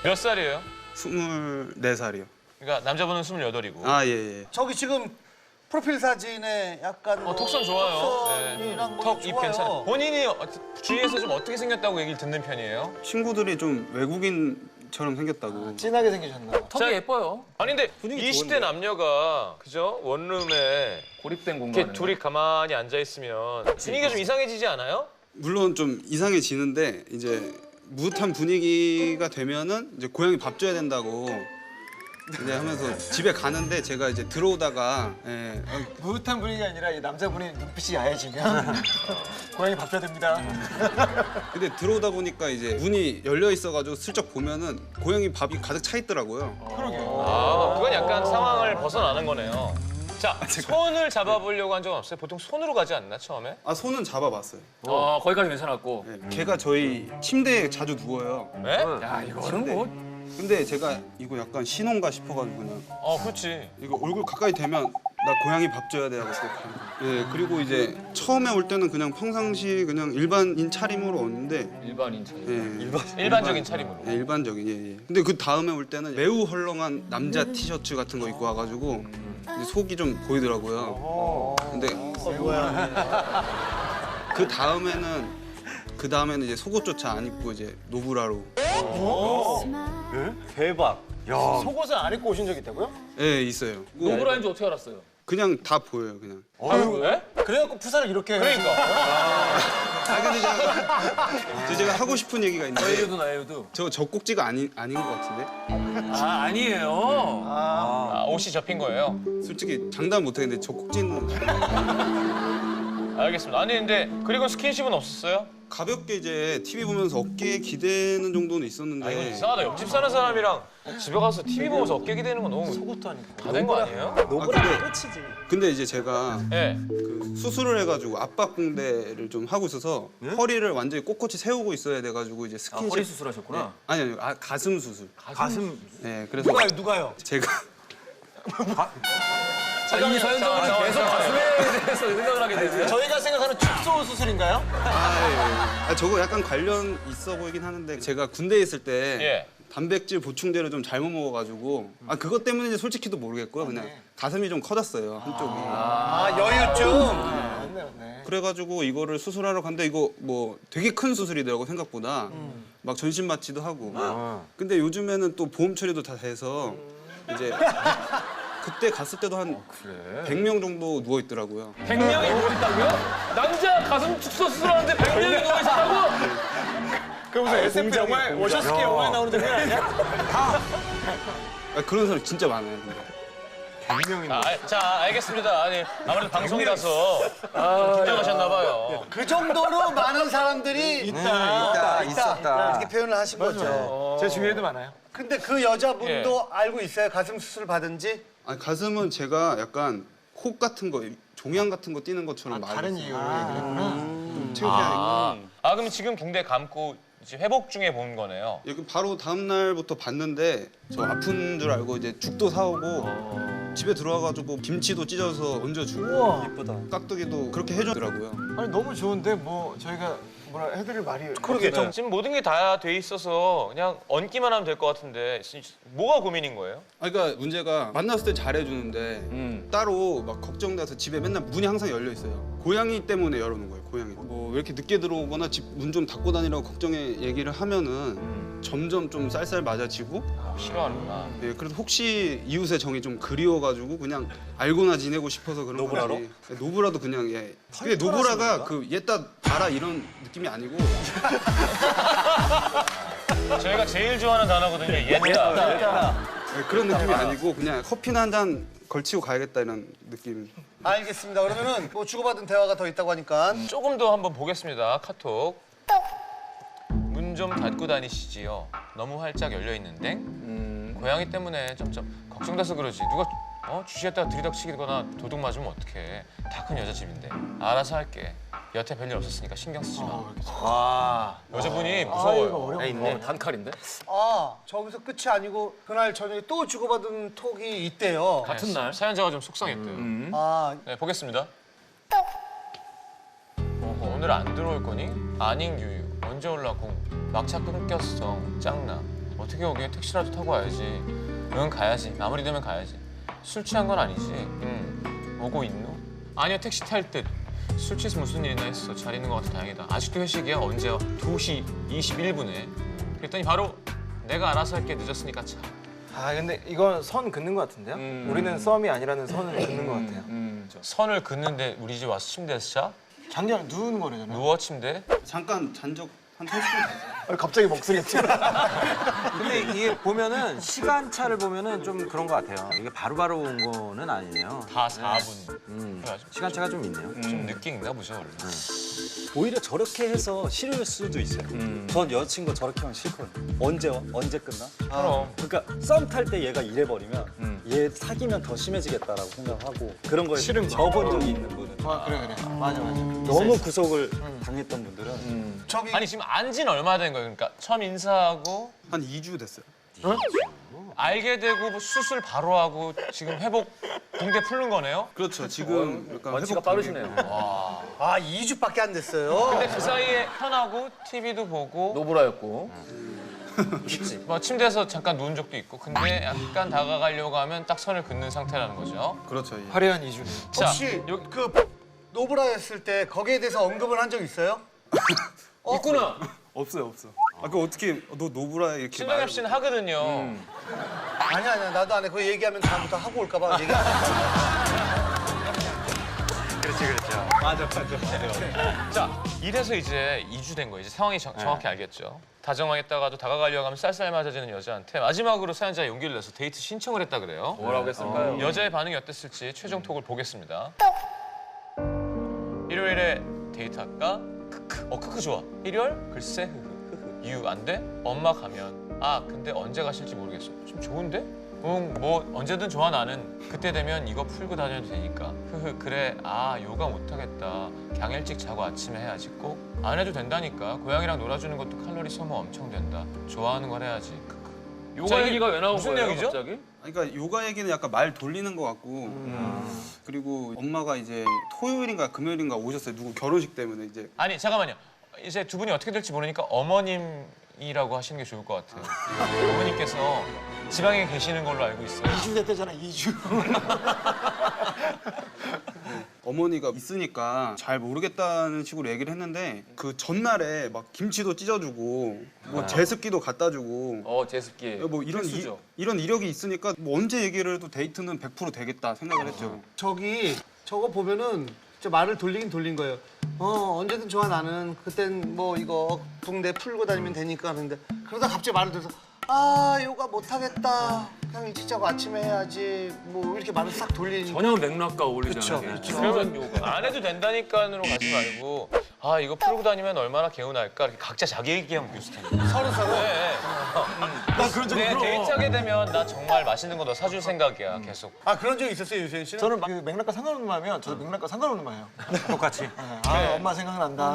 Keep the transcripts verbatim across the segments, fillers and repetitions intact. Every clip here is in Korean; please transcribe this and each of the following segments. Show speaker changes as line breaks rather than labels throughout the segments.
몇 살이에요?
스물네 살이요.
그러니까 남자분은 스물여덟이고.
아, 예, 예.
저기 지금 프로필 사진에 약간
어, 턱선 좋아요. 네.
턱선이랑 뭐
턱, 입
좋아요.
괜찮아요. 본인이 어- 주위에서 좀 어떻게 생겼다고 얘기를 듣는 편이에요?
친구들이 좀 외국인처럼 생겼다고.
진하게 생기셨나 봐.
자,
턱이 예뻐요.
아니 근데
분위기
이십 대
좋은데?
남녀가 그죠? 원룸에
고립된
이렇게
공간에.
둘이 가만히 앉아 있으면 분위기가 좀 이상해지지 않아요?
물론 좀 이상해지는데 이제 무릇한 분위기가 되면은 이제 고양이 밥 줘야 된다고 이제 하면서 집에 가는데 제가 이제 들어오다가 예, 어,
무릇한 분위기가 아니라 이 남자분이 눈빛이 야해지면 고양이 밥 줘야 됩니다.
근데 들어오다 보니까 이제 문이 열려 있어가지고 슬쩍 보면은 고양이 밥이 가득 차 있더라고요.
아, 그건 약간 상황을 벗어나는 거네요. 자, 손을 잡아보려고 한 적은 없어요? 보통 손으로 가지 않나, 처음에?
아, 손은 잡아봤어요.
어, 거기까지 괜찮았고.
예, 걔가 저희 침대에 자주 누워요.
네?
야, 이거는 뭐.
근데 제가 이거 약간 신혼가 싶어가지고 그냥
어, 그렇지.
이거 얼굴 가까이 대면 나 고양이 밥 줘야 돼 하고 생각하는 거예요. 예, 그리고 이제 처음에 올 때는 그냥 평상시 그냥 일반인 차림으로 왔는데
일반인 차이.
예,
일반적인 차림으로.
예, 일반적인 예, 예. 근데 그 다음에 올 때는 매우 헐렁한 남자 티셔츠 같은 거 입고 와가지고 이제 속이 좀 보이더라고요. 근데 그 다음에는 그 다음에는 이제 속옷조차 안 입고 이제 노브라로
대박. 야. 속옷을 안 입고 오신 적 있다고요?
예 있어요.
노브라인지 어떻게 알았어요?
그냥 다 보여요 그냥.
아, 왜?
그래갖고 푸사를 이렇게
그러니까.
아 근데 제가, 저 제가 하고 싶은 얘기가 있는데
에이유도 나에유도.
저 젖꼭지가 아닌 아닌 것 같은데
아, 아니에요.
아, 옷이 접힌 거예요?
솔직히 장담 못하겠는데 젖꼭지는
알겠습니다. 아니, 근데 그리고 스킨십은 없었어요?
가볍게 이제 티비 보면서 어깨에 기대는 정도는 있었는데
아, 이거 이상하다. 옆집 사는 사람이랑 집에 가서 티비 보면서 어깨 기대는 건 너무
속옷도 안 입고.
다 된 거 아니에요?
노브라
근데-
끝이지.
근데 이제 제가
예.
그 수술을 해가지고 압박붕대를 좀 하고 있어서 허리를 완전히 꼿꼿이 세우고 있어야 돼가지고 이제
아,
스킨십
허리 수술하셨구나.
아니 아니 아, 가슴 수술.
가슴.
네 그래서
누가요? 누가요?
제가
아, 이 서현정은
잠깐만,
계속
잠깐만.
가슴에 대해서 생각을 하게 되네.
저희가 생각하는 축소 수술인가요?
아, 예. 아 저거 약간 관련 있어 보이긴 하는데 제가 군대에 있을 때
예.
단백질 보충제를 좀 잘못 먹어가지고 아 그것 때문인지 솔직히도 모르겠고요 그냥 가슴이 좀 커졌어요 한쪽이.
아, 여유증. 맞네, 맞네.
그래가지고 이거를 수술하러 갔는데 이거 뭐 되게 큰 수술이더라고 생각보다 막 전신 마취도 하고 근데 요즘에는 또 보험 처리도 다 돼서 이제 그때 갔을 때도 한 백 명 정도 누워 있더라고요.
백 명이 누워있다고요? 남자 가슴 축소 수술하는데 백 명이 누워있다고?
그 무슨 에스에프 영화에 워셔스키 영화에 나오는 장면 아니야?
아, 그런 사람 진짜 많아요. 근데.
아, 자, 알겠습니다. 아니, 아무래도 방송이라서 좀 긴장하셨나 봐요.
그 정도로 많은 사람들이 있다. 있다, 있었다. 이렇게 표현을 하신 거죠. 제 주위에도 많아요. 근데 그 여자분도 알고 있어요? 가슴 수술 받은지?
아, 가슴은 제가 약간 코 같은 거, 종양 같은 거 띄는 것처럼 많이
다른
했어요.
이유로 얘기를 했구나.
좀 창피하니까.
아, 아, 그럼 지금 붕대 감고 이제 회복 중에 본 거네요.
여기 바로 다음 날부터 봤는데 저 아픈 줄 알고 이제 죽도 사오고 집에 들어와가지고 김치도 찢어서 얹어주고
우와. 이쁘다.
깍두기도 그렇게 해주더라고요.
아니 너무 좋은데 뭐 저희가 뭐라 해드릴 말이
그러게. 지금 모든 게 다 돼 있어서 그냥 얹기만 하면 될 것 같은데 뭐가 고민인 거예요?
아, 그러니까 문제가 만났을 때 잘해주는데
음.
따로 막 걱정돼서 집에 맨날 문이 항상 열려 있어요. 고양이 때문에 열어놓은 거예요. 고양이. 뭐 왜 이렇게 늦게 들어오거나 집 문 좀 닫고 다니라고 걱정해 얘기를 하면은 점점 좀 쌀쌀 맞아지고.
아, 싫어하는구나.
예, 그래도 혹시 이웃의 정이 좀 그리워가지고 그냥 알고나 지내고 싶어서 그런
노브라로?
거지. 예, 노브라도 그냥 예. 근데 노브라가 그 얘따 봐라 이런 느낌이 아니고.
저희가 제일 좋아하는 단어거든요. 옛다.
예, 그런 느낌이 아니고 그냥 커피나 한 잔 걸치고 가야겠다 이런 느낌.
알겠습니다. 그러면은 뭐 주고받은 대화가 더 있다고 하니까
조금 더 한번 보겠습니다. 카톡. 문 좀 닫고 다니시지요. 너무 활짝 열려 있는데 고양이 때문에 점점 걱정돼서 그러지. 누가 어 쥐시했다가 들이닥치거나 도둑 맞으면 어떡해. 다 큰 여자 집인데. 알아서 할게. 여태 별일 없었으니까 신경 쓰지 마.
와.
여자분이
아, 이거
무서워요.
어렵네.
어, 단칼인데?
아 저기서 끝이 아니고 그날 저녁에 또 주고받은 톡이 있대요.
같은 날?
사연자가 좀 속상했대요.
음.
아
네, 보겠습니다. 어허, 오늘 안 들어올 거니? 아닝 유유. 언제 올라고? 막차 끊겼어. 짱나. 어떻게 오게 택시라도 타고 와야지. 응 가야지. 마무리 되면 가야지. 술 취한 건 아니지. 응. 오고 있노? 아니요 택시 탈 때 술 취해서 무슨 일이나 했어. 잘 있는 것 같아 다행이다. 아직도 회식이야? 언제야? 두 시 이십일 분에. 그랬더니 바로 내가 알아서 할게 늦었으니까 차.
아 근데 이건 선 긋는 것 같은데요?
음.
우리는 썸이 아니라는 선을 긋는 것 같아요.
음.
선을 긋는데 우리 집 와서 침대에서 자?
장기랑 누우는 거래잖아요.
누워 침대?
잠깐 잔 적 한 삼십 분 됐어요.
갑자기 목소리가 튀어.
근데 이게 보면은 시간차를 보면은 좀 그런 것 같아요. 이게 바로바로 온 거는 아니네요.
다 사 분.
음,
그래가지고
시간차가 좀 있네요.
좀 늦게 있나 보죠 원래.
오히려 저렇게 해서 싫을 수도 있어요. 전 여자친구 저렇게 하면 싫거든요. 언제 와? 언제 끝나?
그럼.
그러니까 썸 탈 때 얘가 이래버리면 얘 사귀면 더 심해지겠다라고 생각하고 그런 거에
싫은 거.
접은 적이 있는 분은
아 그래 그래. 맞아 맞아.
너무 구속을 당했던 분들은
저기
아니 지금 안진 얼마 된 거예요? 그러니까 처음 인사하고
한 이 주 됐어요.
알게 되고 뭐 수술 바로 하고 지금 회복 붕대 풀는 거네요?
그렇죠. 지금 약간
원치가
회복
빠르시네요.
아 이 주밖에 안 됐어요.
근데 그 사이에 편하고 티비도 보고
노브라였고.
뭐 침대에서 잠깐 누운 적도 있고 근데 약간 다가가려고 하면 딱 선을 긋는 상태라는 거죠.
그렇죠. 예.
화려한 이주네.
자,
혹시
요-
그 노브라 했을 때 거기에 대해서 언급을 한 적 있어요?
있구나.
없어요, 없어. 아, 그 어떻게 너 노브라 이렇게
신동엽 씨는 하거든요.
아니야 아니야 나도 안 해. 그거 얘기하면 다음부터 하고 올까 봐 얘기 안 해.
자, 이래서 이제 이 주 된 거예요. 이제 상황이 정, 정확히 알겠죠. 다정하겠다가도 다가가려고 하면 쌀쌀 맞아지는 여자한테 마지막으로 사연자가 용기를 내서 데이트 신청을 했다 그래요.
뭐라고 했을까요?
여자의 반응이 어땠을지 최종 톡을 보겠습니다. 일요일에 데이트할까? 크크. 어 크크 좋아. 일요일? 글쎄 흐흐. 이유 안 돼? 엄마 가면. 아 근데 언제 가실지 모르겠어. 좀 좋은데? 응, 뭐 언제든 좋아 나는. 그때 되면 이거 풀고 다녀도 되니까. 흐흐 그래. 아 요가 못하겠다. 그냥 일찍 자고 아침에 해야지 꼭. 안 해도 된다니까. 고양이랑 놀아주는 것도 칼로리 소모 엄청 된다. 좋아하는 걸 해야지. 크크.
요가
자, 이게
얘기가 왜 나온
무슨
거예요,
내용이죠?
갑자기?
아니, 그러니까 요가 얘기는 약간 말 돌리는 것 같고
음.
그리고 엄마가 이제 토요일인가 금요일인가 오셨어요. 누구 결혼식 때문에 이제
아니 잠깐만요. 이제 두 분이 어떻게 될지 모르니까 어머님이라고 하시는 게 좋을 것 같아요. 어머님께서 지방에 계시는 걸로 알고 있어요.
이 주 됐대잖아 이 주.
어머니가 있으니까 잘 모르겠다는 식으로 얘기를 했는데 그 전날에 막 김치도 찢어주고 뭐 제습기도 갖다 주고
어, 제습기.
뭐 이런 이,
필수죠.
이런 이력이 있으니까 뭐 언제 얘기를 해도 데이트는 백 퍼센트 되겠다 생각을 했죠.
저기 저거 보면은 진짜 말을 돌리긴 돌린 거예요. 어 언제든 좋아 나는 그땐 뭐 이거 붕대 풀고 다니면 되니까 하는데 그러다 갑자기 말을 들어서 아 요가 못하겠다. 그냥 일찍 자고 아침에 해야지. 뭐 이렇게 말을 싹 돌리니까.
전혀 맥락과 어울리잖아요.
그쵸, 그쵸.
그런 요가.
안 해도 된다니까로 가지 말고 아 이거 풀고 다니면 얼마나 개운할까 이렇게 각자 자기 얘기하면 비슷해요.
서로 서로.
네. 나 그런 적 네, 데이트하게 되면 나 정말 맛있는 거 더 사줄 생각이야 계속.
아 그런 적 있었어요 유세윤 씨는?
저는 그 맥락과 상관없는 말이면 저도 맥락과 상관없는 말이에요.
똑같이.
아 엄마 생각난다.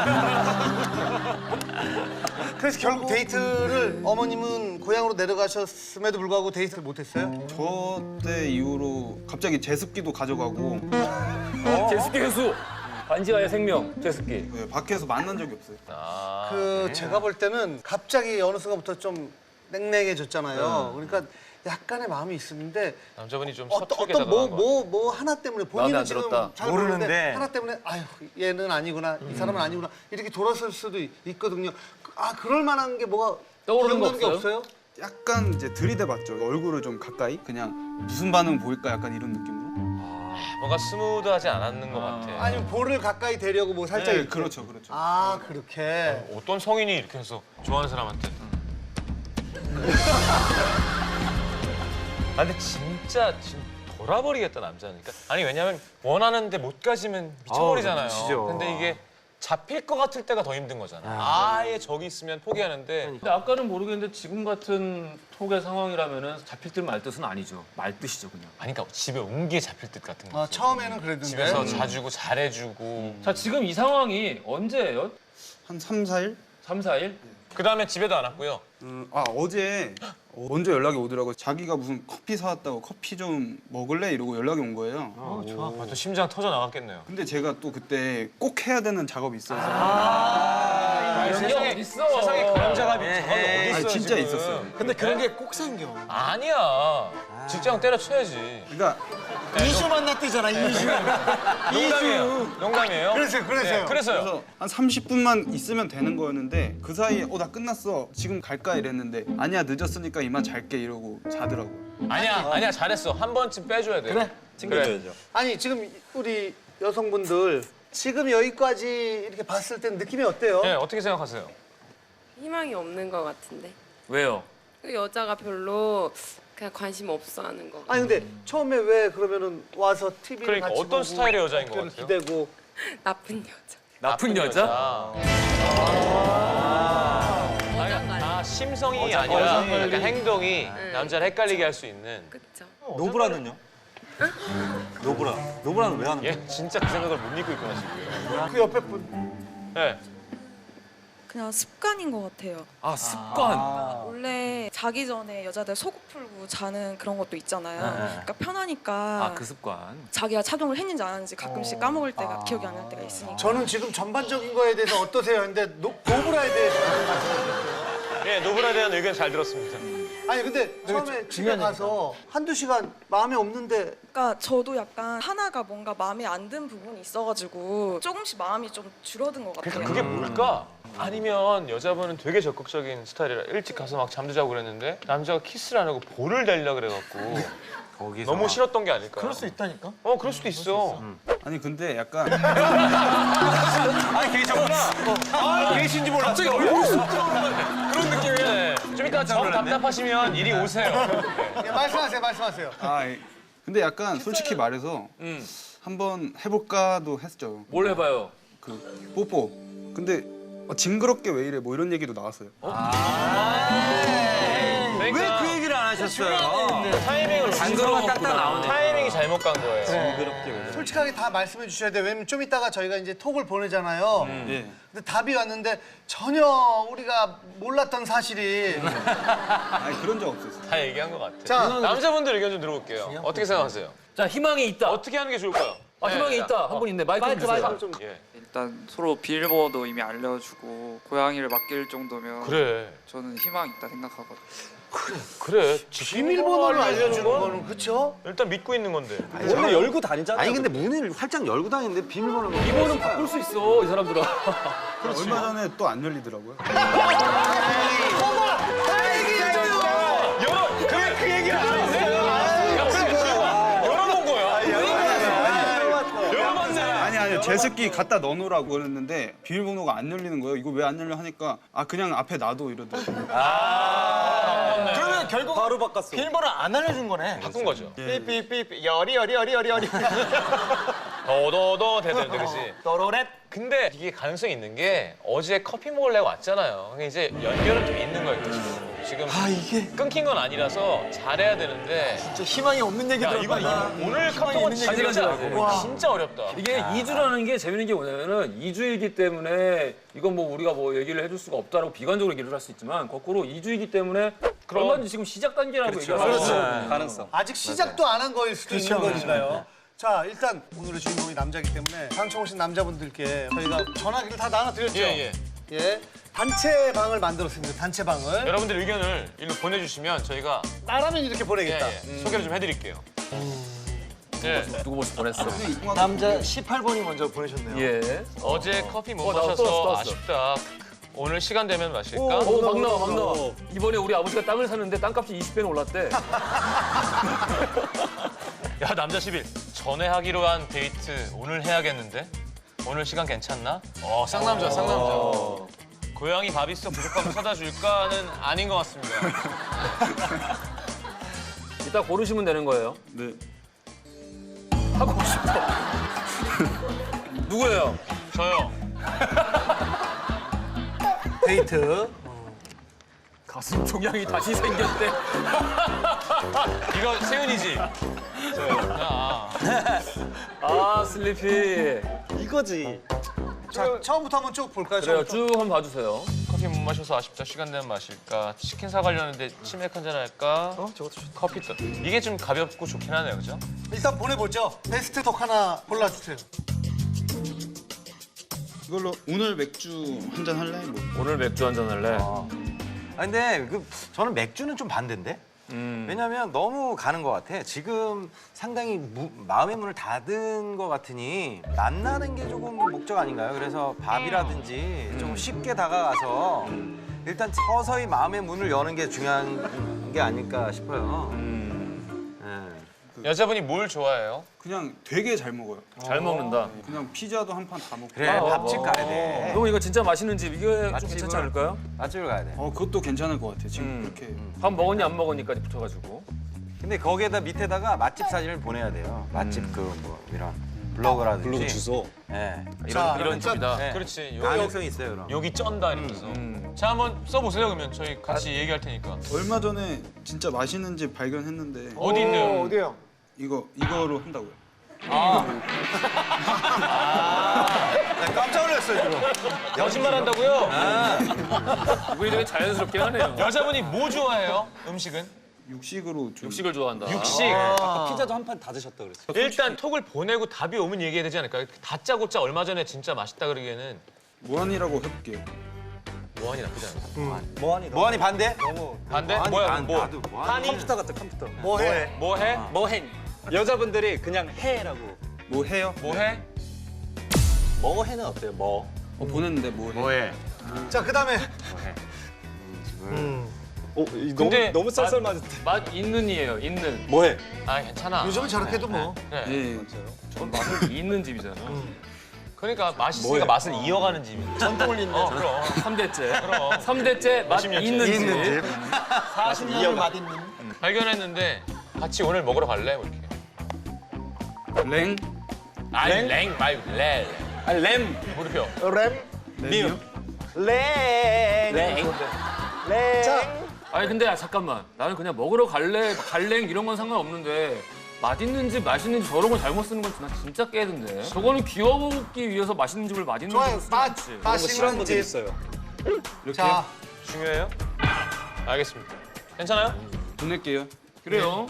그래서 결국 데이트를 어머님은 고향으로 내려가셨음에도 불구하고 데이트를 못했어요?
저 때 이후로 갑자기 제습기도 가져가고
제습기 회수. 반지하의 생명, 제습기.
네, 밖에서 만난 적이 없어요.
아,
그 제가 볼 때는 갑자기 어느 순간부터 좀 냉랭해졌잖아요. 그러니까 약간의 마음이 있었는데
남자분이 좀
어떤
서툴게
어떤 뭐
다가간 거
뭐 뭐 하나 때문에
마음에
본인은
안
지금
들었다.
잘 모르는데
모르는데.
하나 때문에 아유 얘는 아니구나 이 사람은 아니구나 이렇게 돌아설 수도 있- 있거든요. 아 그럴 만한 게 뭐가
떠오르는 거
기억나는 게 없어요?
약간 이제 들이대봤죠. 얼굴을 좀 가까이 그냥 무슨 반응 보일까 약간 이런 느낌으로.
뭔가 스무드하지 않았는 것 같아.
아니면 볼을 가까이 대려고 뭐 살짝
네,
이렇게.
그렇죠, 그렇죠.
아 그렇게.
어떤 성인이 이렇게 해서 좋아하는 사람한테. 아 근데 진짜 지금 돌아버리겠다 남자니까. 아니 왜냐면 원하는데 못 가지면 미쳐버리잖아요.
아우, 미치죠.
근데 이게 잡힐 것 같을 때가 더 힘든 거잖아. 아예 저기 있으면 포기하는데
근데 아까는 모르겠는데 지금 같은 톡의 상황이라면은 잡힐 듯 말 듯은 아니죠. 말 뜻이죠, 그냥.
아니 그러니까 집에 온 게 잡힐 듯 같은 거.
아 처음에는 그랬는데.
집에서 자주고 잘해주고.
자, 지금 이 상황이 언제예요?
한 삼, 사 일?
삼, 사 일?
그 다음에 집에도 안 왔고요.
음, 아 어제 먼저 연락이 오더라고요. 자기가 무슨 커피 사왔다고 커피 좀 먹을래? 이러고 연락이 온 거예요.
어, 좋아. 아, 또 심장 터져 나갔겠네요.
근데 제가 또 그때 꼭 해야 되는 작업이 있어서
아, 세상에 세상에 그런 작업이
에헤이.
어디 있어?
아니, 진짜 있었어요.
근데 그런 게 꼭 생겨.
아니야. 직장 때려쳐야지.
그러니까
이슈 만났대잖아, 이슈.
농담이에요. 농담이에요.
그래서요, 그래서요.
네, 그래서요.
그래서 한 삼십 분만 있으면 되는 거였는데 그 사이에 어 나 끝났어 지금 갈까 이랬는데 아니야 늦었으니까 이만 잘게 이러고 자더라고.
아니야 아니야 잘했어. 한 번쯤 빼줘야 돼. 그래.
챙겨줘야죠.
아니 지금 우리 여성분들 지금 여기까지 이렇게 봤을 때 느낌이 어때요?
네 어떻게 생각하세요?
희망이 없는 것 같은데
왜요?
그 여자가 별로 그냥 관심 없어하는 거.
아니 근데 처음에 왜 그러면은 와서 티비를
그러니까
같이
어떤
보고
스타일의 여자인 것
어깨를
같아요?
기대고
나쁜 여자.
나쁜 여자?
아, 아 심성이
어장
아니라
관리.
약간 행동이
네.
남자를 헷갈리게 할 수 있는.
그쵸?
노브라는요? 노브라. 노브라는 왜 하는 거야?
얘 진짜 그 생각을 못 믿고 있구나 지금.
그 옆에 분
네.
그냥 습관인 것 같아요.
아 습관.
원래 자기 전에 여자들 속옷 풀고 자는 그런 것도 있잖아요.
네.
그러니까 편하니까
아 그 습관.
자기가 착용을 했는지 안 했는지 가끔씩 까먹을 때가 기억이 안 날 때가 있으니까.
저는 지금 전반적인 거에 대해서 어떠세요? 근데 노, 노브라에 대해서
예 노브라에 대한 의견 잘 들었습니다.
아니 근데 처음에 집에 가서 한두 시간 마음에 없는데
그러니까 저도 약간 하나가 뭔가 마음에 안 든 부분이 있어가지고 조금씩 마음이 좀 줄어든 것 같아요.
그러니까 그게 뭘까? 아니면 여자분은 되게 적극적인 스타일이라 일찍 가서 막 잠도 자고 그랬는데 남자가 키스를 안 하고 볼을 달려 그래갖고
거기서
너무 싫었던 게 아닐까?
그럴 수 있다니까.
어 그럴 수도 있어.
아니 근데 약간
아 계셨구나. 아 계신지 몰랐어. 갑자기 얼굴 쑥 들어오는 그런 느낌이네. 좀 이따 정 답답하시면 이리 오세요.
예, 말씀하세요, 말씀하세요.
아 이- 근데 약간 솔직히 말해서
음.
한번 해볼까도 했죠.
뭘 해봐요?
그 뽀뽀. 근데 어, 징그럽게 왜 이래 뭐 이런 얘기도 나왔어요.
왜
그 얘기를 안 하셨어요?
타이밍을
단서가 딱딱 나오네.
타이밍이 잘못 간 거예요.
솔직하게 다 말씀해 주셔야 돼요. 왜냐면 좀 이따가 저희가 이제 톡을 보내잖아요.
예.
근데 답이 왔는데 전혀 우리가 몰랐던 사실이.
아니 그런 적 없었어요.
다 얘기한 것 같아.
자,
남자분들 의견 좀 들어볼게요. 어떻게 생각하세요?
자 희망이 있다.
어떻게 하는 게 좋을까요?
아 희망이
네,
있다. 한 분 있네. 마이크 좀 주세요.
좀
예.
일단 서로 비밀번호도 이미 알려주고 고양이를 맡길 정도면
그래.
저는 희망이 있다 생각하거든요.
그래.
비밀번호를 알려주는 거는 그렇죠?
일단 믿고 있는 건데.
원래 열고 다니잖아요.
아니 근데 문을 활짝 열고 다니는데 비밀번호가
이번은 바꿀 수 있어 이 사람들아.
얼마 전에 또 안 열리더라고요.
열어. 그, 그 얘기를 안 했어요. 야, 그래. 지금 열어본 거야. 열어봤네.
아니 아니 제습기 갖다 넣어놓으라고 그랬는데 비밀번호가 안 열리는 거예요. 이거 왜 안 열려 하니까 아 그냥 앞에 놔둬 이러더라고요.
그러면 결국
바로 바꿨어.
비밀번호 안 알려준 거네.
바꾼 거죠.
삐삐삐삐 열이 열이 열이 열이 열이.
더더더 대되는데 그지?
또로렛.
근데 이게 가능성이 있는 게 어제 커피 먹으려고 왔잖아요. 그러니까 이제 연결은 좀 있는 거예요. 지금. 지금
아 이게
끊긴 건 아니라서 잘해야 되는데
진짜 희망이 없는 얘기
야 이거
들었다.
이거 오늘 카톡은 진짜,
있는
진짜 어렵다.
이게 이 주라는 게 재밌는 게 뭐냐면은 이 주이기 때문에 이건 뭐 우리가 뭐 얘기를 해줄 수가 없다라고 비관적으로 얘기를 할 수 있지만 거꾸로 이 주이기 때문에
그럼.
얼마든지 지금 시작 단계라고 얘기를 하는
그렇죠.
거거든요.
가능성.
아직 시작도 안 한 거일 수도 있는
그렇죠.
거니까요. 자, 일단 오늘의 주인공이 남자이기 때문에 방청오신 남자분들께 저희가 전화기를 다 나눠드렸죠.
예, 예.
예. 단체 방을 만들었습니다. 단체 방을.
여러분들 의견을 일로 보내주시면 저희가
나라면 이렇게
예,
보내겠다.
예, 소개를 좀 해드릴게요. 예.
누구 벌써 보냈어?
남자 십팔 번이 먼저 보내셨네요.
예.
어제 커피 못
어, 나왔어,
마셔서
나왔어, 나왔어.
아쉽다. 오늘 시간 되면 마실까?
오, 막 나와, 막 나와. 이번에 우리 아버지가 땅을 샀는데 땅값이 이십 배는 올랐대.
야 남자 십일 전에 하기로 한 데이트 오늘 해야겠는데? 오늘 시간 괜찮나? 어 쌍남자 쌍남자. 고양이 밥 있어 부족하면 사다 줄까는 아닌 것 같습니다.
이따 고르시면 되는 거예요.
네.
하고 싶어. 누구예요?
저요.
데이트.
가슴 종양이 다시 생겼대.
이거 세윤이지? 저요. 야.
아 슬리피.
이거지.
자, 처음부터 한번 쭉 볼까요?
그래요.
처음부터?
쭉 한번 봐주세요.
커피 못 마셔서 아쉽다. 시간 되면 마실까? 치킨 사가려는데 치맥 한잔 할까? 어? 저것도 커피 또. 이게 좀 가볍고 좋긴 하네요, 그죠?
일단 보내보죠. 베스트 톡 하나 골라주세요.
이걸로 오늘 맥주 한 잔 할래? 뭐.
오늘 맥주 한잔 할래?
아 근데 그 저는 맥주는 좀 반대인데.
음.
왜냐면 너무 가는 것 같아. 지금 상당히 무, 마음의 문을 닫은 것 같으니 만나는 게 조금 목적 아닌가요? 그래서 밥이라든지 좀 쉽게 다가가서 일단 서서히 마음의 문을 여는 게 중요한 게 아닐까 싶어요. 네.
여자분이 뭘 좋아해요?
그냥 되게 잘 먹어요.
잘 먹는다.
그냥 피자도 한 판 다 먹고.
그래
아,
밥집
어.
가야 돼.
그럼 이거 진짜 맛있는 집 이게 좀
맛집을-
괜찮지 않을까요?
맛집을 가야 돼.
어 그것도 괜찮을 것 같아요. 지금
음.
그렇게.
밥 먹었니 안 먹었니까지 붙어가지고.
근데 거기에다 밑에다가 맛집 사진을 보내야 돼요. 맛집 그 뭐 이런 블로그라든지.
블로그 주소.
네.
이런 이런
일단-
집이다.
네.
그렇지. 여기,
가능성이 있어요, 그럼.
여기 쩐다 이러면서.
음.
자 한번 써보세요 그러면 저희 같이 얘기할 테니까.
얼마 전에 진짜 맛있는 집 발견했는데
어디 있네요?
어디요?
이거 이거로 한다고요.
나 깜짝 놀랐어요, 지금.
거짓말 한다고요?
이분이 되게 자연스럽게 하네요.
여자분이 뭐 좋아해요? 음식은?
육식으로 좀.
육식을 좋아한다.
육식.
아까 피자도 한 판 다 드셨다 그랬어요.
일단 톡을 보내고 답이 오면 얘기해야 되지 않을까요? 다짜고짜 얼마 전에 진짜 맛있다 그러기에는
무한이라고 해볼게요.
무한이 나쁘지 않아.
뭐하니?
뭐하니 반대?
반대?
뭐하니?
뭐야?
난-
뭐?
나도 뭐하니?
한이?
컴퓨터 같아 컴퓨터.
뭐 해?
뭐 해?
뭐해? 여자분들이 그냥 해라고.
뭐 해요?
뭐 해?
뭐 해는 어때요? 뭐.
어, 보냈는데 뭐 해?
뭐해?
자, 그다음에
어, 이
근데
너무 너무 쌀쌀맞은데.
맛 있는이에요. 있는.
뭐해?
아 괜찮아.
요즘은 저렇게 해도 뭐.
네.
예.
전 맛을 있는 집이잖아.
그러니까 맛있으니까 맛을 이어가는 집이지. 전통을 잇는. 어, 그럼.
삼 대째.
그럼.
삼 대째 맛
오십 년째.
있는 집.
있는 집.
사십 년을 맛있는.
발견했는데 같이 오늘 먹으러 갈래? 뭐 이렇게.
랭?
아니 랭 말고 렐.
아, 램.
물음표.
램.
랭이요?
랭.
랭.
랭.
자,
아니 근데 아, 잠깐만. 나는 그냥 먹으러 갈래, 갈랭 이런 건 상관없는데 맛있는 집, 맛있는 집 저런 걸 잘못 쓰는 건 나 진짜 깨던데. 저거는 귀여워 보기 위해서 맛있는 집을 맛있는
좋아요.
집을 쓰지
맛,
않지.
그런 거 싫어하는
맛있는
분들
집.
있어요.
이렇게
자,
중요해요? 알겠습니다. 괜찮아요?
보낼게요.
그래요.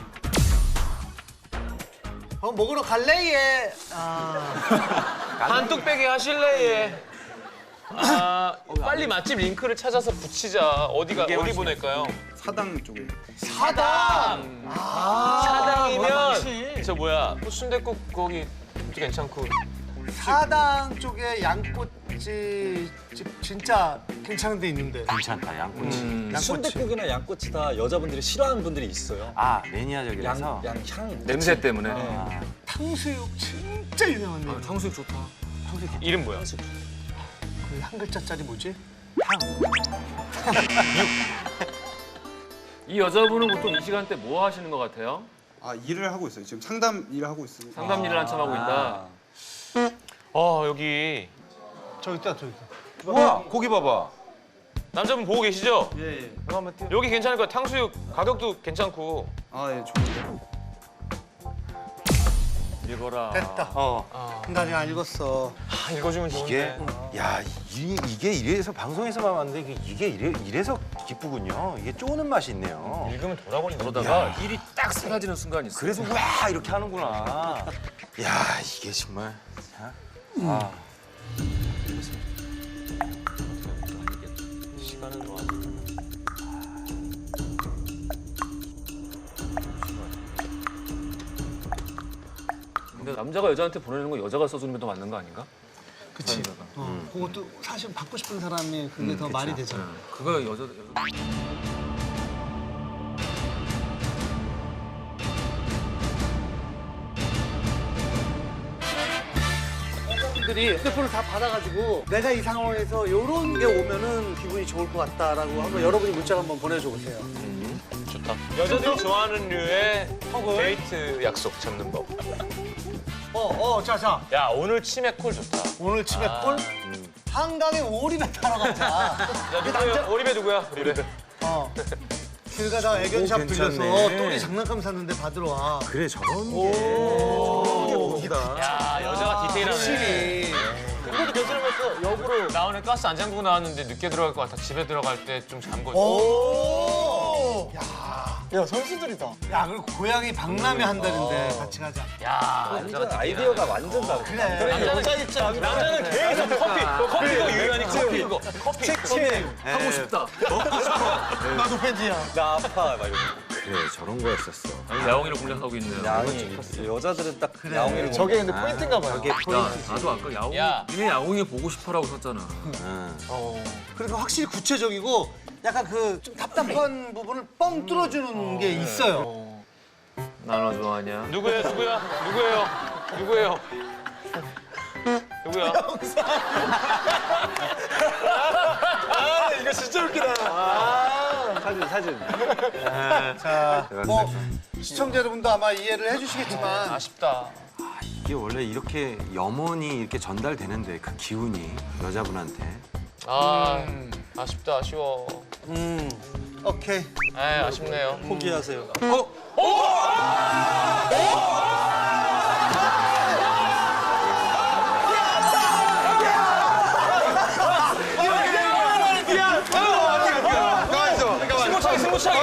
어, 먹으러 갈래 얘. 아,
반뚝배기 하실래? 예. 아, 빨리 맛집 링크를 찾아서 붙이자. 어디가 어디 보낼까요?
사당 쪽에.
사당.
아,
사당이면 저 뭐야? 순댓국 거기 진짜 괜찮고.
사당 쪽에 양꼬치 집 진짜 괜찮은 데 있는데.
괜찮다, 양꼬치.
음.
순댓국이나 양꼬치 다 여자분들이 싫어하는 분들이 있어요.
아, 매니아적이라서.
양, 양향.
냄새 때문에.
아,
탕수육 진짜 유명한 데.
아, 탕수육 좋다.
이름 뭐야?
그 한 글자짜리 뭐지?
이 여자분은 보통 이 시간대 뭐 하시는 것 같아요?
아 일을 하고 있어요. 지금 상담 일을 하고 있어요.
상담 일을 한참 하고 있다.
어 여기
저기 있다, 저기 있다.
우와, 고기 봐봐.
남자분 보고 계시죠?
예 예.
이거 한번 띄워.
여기 괜찮을 거야. 탕수육 가격도 괜찮고.
아 예, 좋은데.
읽어라.
됐다.
어.
나 아직 안 읽었어.
아, 읽어주면
이게,
좋은데.
야, 이, 이게 이래서 방송에서만 봤는데 이게, 이게 이래, 이래서 기쁘군요. 이게 쪼는 맛이 있네요.
읽으면 돌아버린다.
그러다가 일이 딱 사라지는 순간이 있어.
그래서 와 이렇게 하는구나. 야, 이게 정말. 자, 아.
시간은 뭐.
근데 남자가 여자한테 보내는 거 여자가 써주는 게 더 맞는 거 아닌가?
그치. 어, 그것도 사실 받고 싶은 사람이 그게 더 말이 되잖아.
그거 여자 여자.
들이 휴대폰을 다 받아가지고 내가 이 상황에서 이런 게 오면은 기분이 좋을 것 같다라고 한번 여러분이 문자를 한번 보내줘 보세요.
좋다. 여자들이 좋아하는 류의 데이트 약속 잡는 법.
어, 어, 자, 자.
야 오늘 치맥콜 좋다.
오늘 치맥콜 한강에 오리배 타러 가자.
야 누구야? 오리배 누구야? 오리배.
어. 길 가다가 애견샵
오,
들려서
괜찮네.
또리 장난감 샀는데 받으러 와.
그래, 저런 게. 저런 게 고기다.
야 여자가 디테일하네.
확실히.
그것도 괜찮으면서 역으로 나 오늘 가스 안 잠그고 나왔는데 늦게 들어갈 것 같아. 집에 들어갈 때 좀 잠궈.
오. 야.
야 선수들이다.
야 그리고 고양이 박람회 한다는데 같이 가자.
완전 아이디어가 완전 다르다.
그래.
여자 입장.
남자는 계속 커피, 커피가 유연하니까 커피 이거. 커피,
책책.
하고 싶다.
나도 팬이야.
나 아파 막 이러고.
그래 저런 거였었어.
아니, 야옹이를 공략하고 있네요.
야옹이 여자들은 딱 야옹이를
저게 근데 포인트인가 봐요.
저게
야,
포인트.
나도 아까 야옹.
야.
니네 야옹이 보고 싶어라고 썼잖아.
그리고 확실히 구체적이고 약간 그 좀 답답한 부분을 뻥 뚫어주는 게 있어요.
나너 좋아하냐?
누구예요? 누구야? 누구예요? 누구예요? 누구야?
이거 진짜 웃기다.
사진 사진.
자, 뭐 시청자 여러분도 아마 이해를 해주시겠지만
아쉽다.
이게 원래 이렇게 염원이 이렇게 전달되는데 그 기운이 여자분한테.
아, 아쉽다. 아쉬워.
음, 오케이.
아, 아쉽네요.
포기하세요.
승부차기, 승부차기.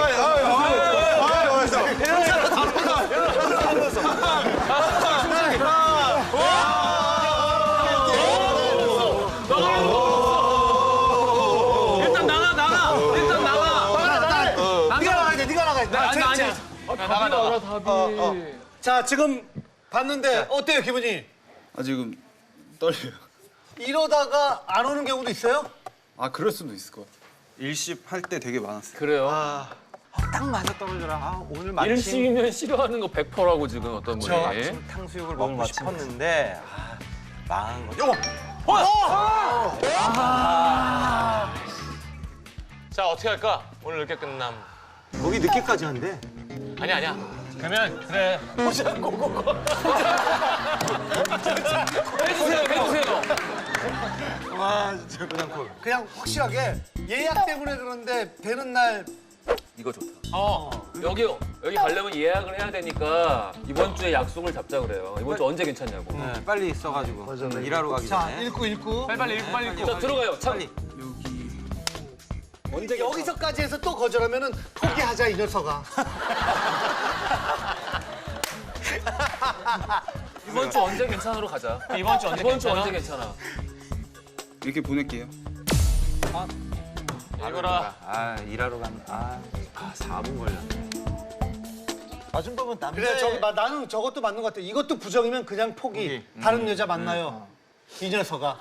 일단 나가, 나가. 일단 나가.
네가 나가야 돼. 네가 나가야 돼.
아니, 아니.
나가, 나가.
답이.
자, 지금 봤는데 어때요 기분이?
아 지금 떨려요.
이러다가 안 오는 경우도 있어요?
아 그럴 수도 있을 것 같아요. 일십 할 때 되게 많았어요.
그래요.
딱 맞아 떨어져라. 아, 오늘 마침
일식이면 싫어하는 거 백 퍼센트라고 지금 어떤 분이.
마침 탕수육을 먹고 싶었는데 아, 망한 거죠.
자, 어떻게 할까? 오늘 늦게 끝남.
거기 늦게까지 한대.
아니야, 아니야. 그러면 그래.
해주세요, 해주세요.
와 진짜 그냥 콜. 그냥 확실하게 예약 때문에 그런데 되는 날
이거 좋다. 어, 여기 여기 가려면 예약을 해야 되니까 이번 주에 약속을 잡자 그래요. 이번 주 언제 괜찮냐고.
네, 빨리 써가지고 일하러 가기
자
전에.
읽고 읽고
빨리 빨리 읽고 빨리 읽고.
자 들어가요. 참.
언제 여기서까지 해서 또 거절하면은 포기하자 이 녀석아.
이번 주 언제 괜찮으로 가자.
이번 주 언제
이번 주
괜찮아?
언제 괜찮아.
이렇게 보낼게요.
읽어라.
아 일하러 간. 아, 아 사 분 걸렸네.
아줌마는 남자.
그래 저기 마- 나는 저것도 맞는 것 같아. 이것도 부정이면 그냥 포기. 다른 여자 만나요. 이 녀석아.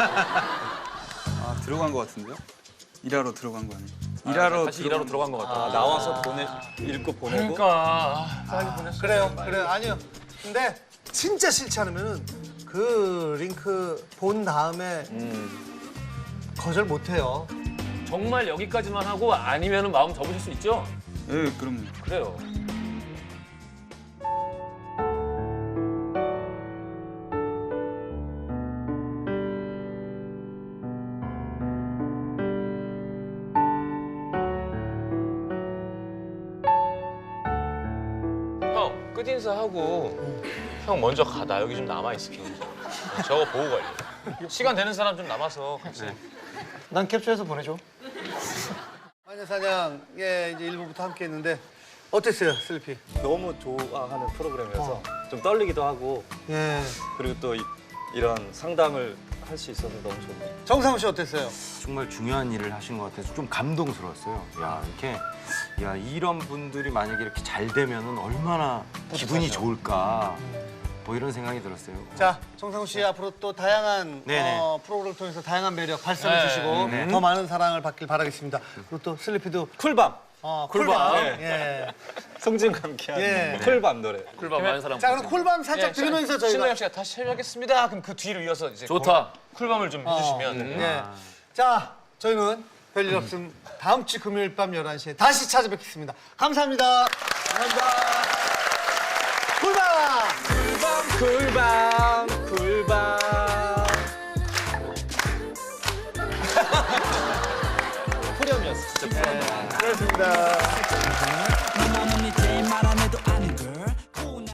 아 들어간 것 같은데요? 일하러 들어간 거 아니에요? 일하러
다시 일하러 들어간 것 같다.
아, 나와서 보내 읽고 보내고.
그러니까.
그래요. 그래 아니요. 근데 진짜 싫지 않으면은 그 링크 본 다음에 거절 못 해요.
정말 여기까지만 하고 아니면은 마음 접으실 수 있죠?
예, 그럼요.
그래요.
형, 끝인사하고 형 먼저 가. 나 여기 좀 남아있을게. 저거 보고 갈래. 시간 되는 사람 좀 남아서 같이.
난 캡처해서 보내줘. 마녀사냥 예 이제 일부부터 함께 했는데 어땠어요 슬리피?
너무 좋아하는 프로그램이어서 좀 떨리기도 하고
예.
그리고 또 이, 이런 상담을 할 수 있어서 너무 좋네요.
정상우 씨 어땠어요?
정말 중요한 일을 하신 것 같아서 좀 감동스러웠어요. 야 이렇게 야 이런 분들이 만약에 이렇게 잘 되면은 얼마나 기분이 좋을까. 뭐 이런 생각이 들었어요.
자 정상우 씨 앞으로 또 다양한
네네.
어, 프로그램을 통해서 다양한 매력 발산해
네.
주시고
네.
더 많은 사랑을 받길 바라겠습니다. 그리고 또 슬리피도
쿨밤.
어,
쿨밤.
쿨밤.
네.
예.
송진과 함께하는
예.
쿨밤 노래.
쿨밤 많은 사람.
자 그럼 쿨밤 살짝 들으면서 저희가
신동엽 씨가 다시 시작하겠습니다. 그럼 그 뒤를 이어서 이제
좋다.
쿨밤을 좀 해주시면.
어, 예. 자 저희는 별일 없음 다음 주 금요일 밤 열한 시에 다시 찾아뵙겠습니다. 감사합니다. 감사합니다. 쿨밤.
쿨밤 쿨밤. 후렴이었어. 진짜.
그렇습니다.